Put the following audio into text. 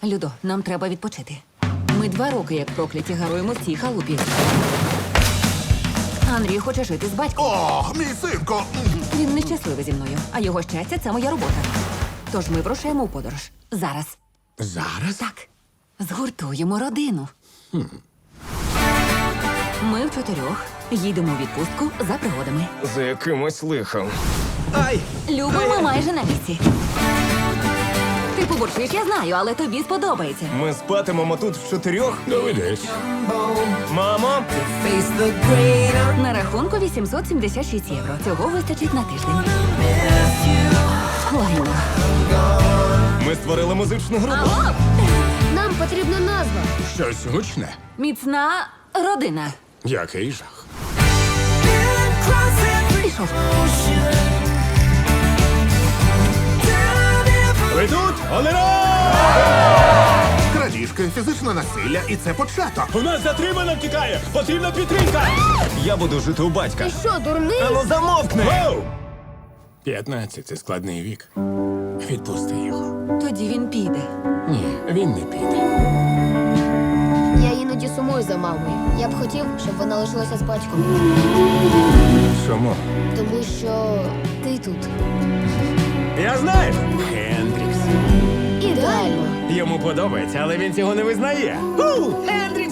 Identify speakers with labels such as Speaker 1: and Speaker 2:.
Speaker 1: Людо, нам треба відпочити. Ми 2 роки, як прокляті, гаруємо в цій халупі. Андрій хоче жити з батьком.
Speaker 2: О, мій синко!
Speaker 1: Він нещасливий зі мною, а його щастя – це моя робота. Тож ми вирушаємо у подорож. Зараз.
Speaker 2: Зараз?
Speaker 1: Так. Згуртуємо родину. Ми в 4 їдемо у відпустку за пригодами.
Speaker 3: За якимось лихом.
Speaker 1: Любимо майже на місці. Ти побурчиш, я знаю, але тобі сподобається.
Speaker 3: Ми спатимемо тут в 4?
Speaker 2: Доведись.
Speaker 3: Мамо!
Speaker 1: На рахунку 876 євро. Цього вистачить на тиждень. Лайно.
Speaker 3: Ми створили музичну групу.
Speaker 1: Алло!
Speaker 4: Нам потрібна назва.
Speaker 2: Щось гучне.
Speaker 1: Міцна родина.
Speaker 2: Який жах.
Speaker 1: Пішов.
Speaker 3: Ви тут? Олера!
Speaker 2: Крадіжки, фізичне насилля, і це початок.
Speaker 3: У нас затримано втікає! Потрібна підтримка! Я буду жити у батька.
Speaker 4: Ти що, дурний?
Speaker 3: Ану замовкни!
Speaker 2: 15 – це складний вік. Відпусти його.
Speaker 1: Тоді він піде.
Speaker 2: Ні, він не піде.
Speaker 4: Я іноді сумую за мамою. Я б хотів, щоб вона лишилася з батьком.
Speaker 2: Чому?
Speaker 4: Тому що ти тут.
Speaker 3: Я знаю!
Speaker 2: Хендрікс.
Speaker 4: Ідеально.
Speaker 3: Йому подобається, але він цього не визнає. Генрі!